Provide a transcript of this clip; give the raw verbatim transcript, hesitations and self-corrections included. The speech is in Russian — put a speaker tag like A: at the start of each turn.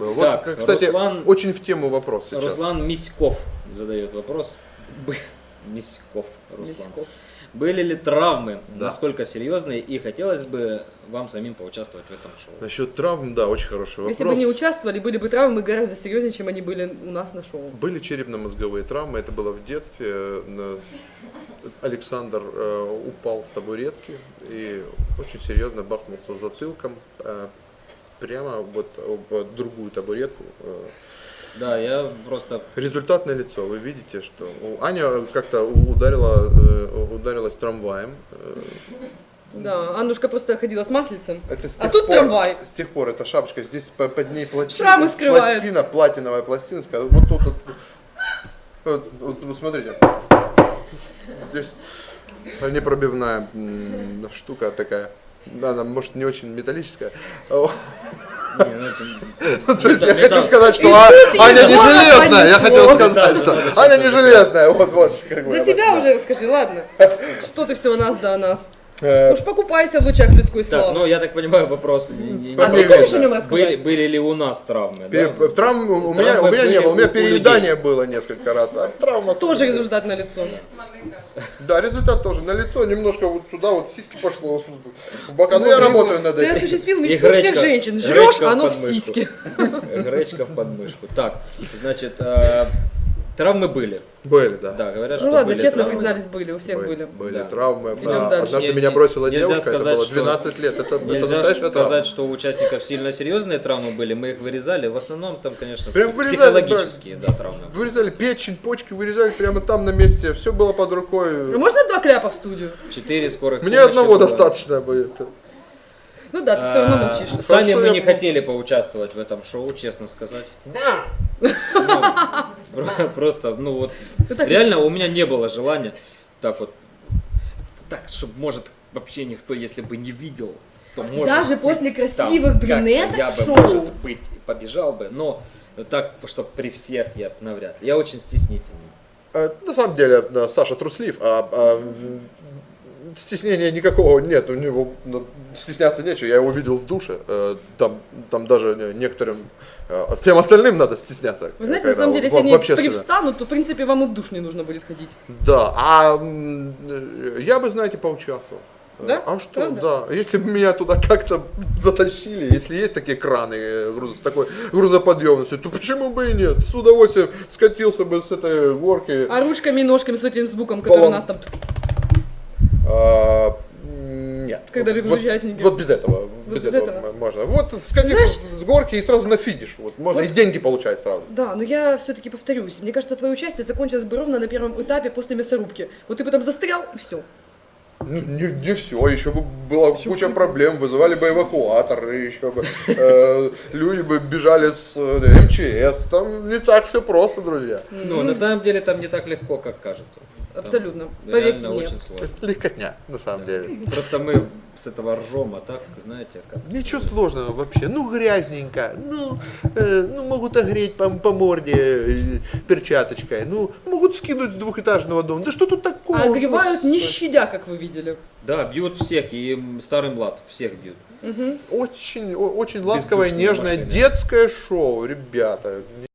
A: было.
B: Так,
A: вот, кстати,
B: Руслан,
A: очень в тему вопрос сейчас.
B: Руслан Миськов задает вопрос. Б- Миськов, Руслан.
C: Миськов.
B: Были ли травмы,
A: Да.
B: насколько серьезные, и хотелось бы вам самим поучаствовать в этом шоу?
A: Насчет травм, да, очень хороший вопрос.
C: Если бы не участвовали, были бы травмы гораздо серьезнее, чем они были у нас на шоу.
A: Были черепно-мозговые травмы, это было в детстве. На- Александр э, упал с табуретки и очень серьезно бахнулся затылком э, прямо вот об другую табуретку. Э,
B: Да, я просто...
A: Результат налицо. Вы видите, что у- Аня как-то ударила, э, ударилась трамваем. Э,
C: Да, Аннушка просто ходила с маслицем.
A: Это с
C: А
A: тех
C: тут
A: пор-
C: трамвай.
A: С тех пор эта шапочка, здесь по- под ней пластина,
C: Шрамы скрывает.
A: пластина, платиновая пластина. Вот тут вот, вот, вот, вот смотрите. Здесь непробивная м, штука такая. Да, она может не очень металлическая.
B: Не, ну это-
A: Ну, то есть я
B: Металл-
A: хочу
B: металл.
A: сказать, что
C: И
A: А-
C: тут
A: Аня
C: его
A: не железная. Я
C: понесло.
A: хотел сказать,
B: Металл,
A: что
B: надо
A: Аня не
B: что-то
A: железная. Вот, вот. как бы
C: За
A: я
C: себя
A: так-
C: уже расскажи, ладно? Что ты все о нас да о нас?
A: Э,
C: Уж покупайся в лучах людской
B: Так,
C: славы.
B: ну я так понимаю, вопрос не- не-
C: А
A: не
C: ты
A: видно.
C: хочешь о нем
B: были,
C: рассказать?
B: были ли у нас травмы?
A: пере-
B: да?
A: Травм у
B: Травмы
A: меня, у меня не
B: были
A: было, у меня
B: у- у
A: переедание было несколько раз, а травма
C: Тоже результат на лицо.
A: Да, результат тоже. На лицо немножко вот сюда вот сиськи пошло вот тут, в бока. Ну я работаю над
C: Ты
A: этим.
C: осуществил
B: И
C: мечту всех
B: гречка-
C: женщин. Жрешь,
B: гречка
C: а
B: в
C: оно в
B: подмышку.
C: сиське.
B: Гречка в подмышку. Так, значит, э, травмы были.
A: Были, да.
B: Да, говорят,
C: Ну
B: что
C: ладно,
B: были
C: честно
B: травмы.
C: признались, были, у всех были.
A: Были
B: Да.
A: травмы.
C: Идем
A: А,
C: дальше.
A: Однажды
B: Не-
A: меня
B: не-
A: бросила
B: нельзя
A: девушка, это
B: сказать,
A: было
B: что-
A: двенадцать лет. Это, это
B: Нельзя
A: настоящая травма.
B: сказать, что у участников сильно серьезные травмы были, мы их вырезали. В основном там, конечно,
A: Прям вырезали,
B: психологические да, травмы.
A: Вырезали печень, почки, вырезали прямо там на месте. Все было под
C: А
A: рукой.
C: можно два кляпа в студию?
B: Четыре скорых
A: Мне
B: помощи
A: одного
B: было.
A: достаточно будет.
C: Ну да, ты все равно
B: А,
C: молчишь.
B: Сами
A: Хорошо,
B: мы
A: я
B: не
A: помню.
B: хотели поучаствовать в этом шоу, честно сказать.
C: Да.
B: Ну, просто, ну вот,
C: Ты так-
B: реально у меня не было желания так вот, так, чтобы, может, вообще никто, если бы не видел, то может
C: Даже
B: быть,
C: после
B: там
C: красивых
B: как-то
C: брюнеток
B: я
C: в
B: бы,
C: шоу.
B: может быть, побежал бы, но так, чтобы при всех я б навряд ли. Я очень стеснительный.
A: Э, На самом деле, да, Саша труслив, а, а, м, стеснения никакого нет, у него ну, стесняться нечего. Я его видел в душе, э, там, там даже не- некоторым, э, с тем остальным надо стесняться.
C: Вы знаете,
A: когда
C: на самом деле,
A: в-
C: если они
A: в общественном.
C: привстанут, то, в принципе, вам и в душ не нужно будет ходить.
A: Да, а м, э, я бы, знаете, поучаствовал.
C: Да?
A: А что,
C: Правда?
A: да. Если бы меня туда как-то затащили, если есть такие краны э, груз- с такой грузоподъемностью, то почему бы и нет? С удовольствием скатился бы с этой горки.
C: А ручками и ножками с этим звуком, который
A: Полом-
C: у нас там...
A: А, м, нет.
C: Когда бегут
A: вот,
C: участники.
A: Вот без этого.
C: Вот
A: без
C: без
A: этого,
C: этого?
A: м- можно. Вот скатиться
C: Знаешь-
A: с горки и сразу на финиш. Вот, можно
C: Вот-
A: и деньги получать сразу.
C: Да, но я все-таки повторюсь. Мне кажется, твое участие закончилось бы ровно на первом этапе после мясорубки. Вот ты бы там застрял, и все.
A: Ну, не, не все, еще бы была куча проблем, вызывали бы эвакуатор, и еще бы э, люди бы бежали с э, эм че эс, там не так все просто, друзья.
B: Ну, на самом деле там не так легко, как кажется. Там
C: Абсолютно. Поверьте
B: реально
C: мне.
B: очень сложно.
A: Легкотня, на самом деле.
B: Просто мы с этого ржем, а так, знаете, как...
A: Ничего сложного вообще, ну грязненько, ну, э, ну могут огреть по, по морде э, перчаточкой, ну могут скинуть с двухэтажного дома, да что тут такого?
C: А огревают не
A: Господи.
C: щадя, как вы видели.
B: Да, бьют всех, и старый млад, всех бьют.
C: Мгм.
A: Очень, о- очень ласковое,
B: Бездушные
A: нежное
B: машины.
A: детское шоу, ребята.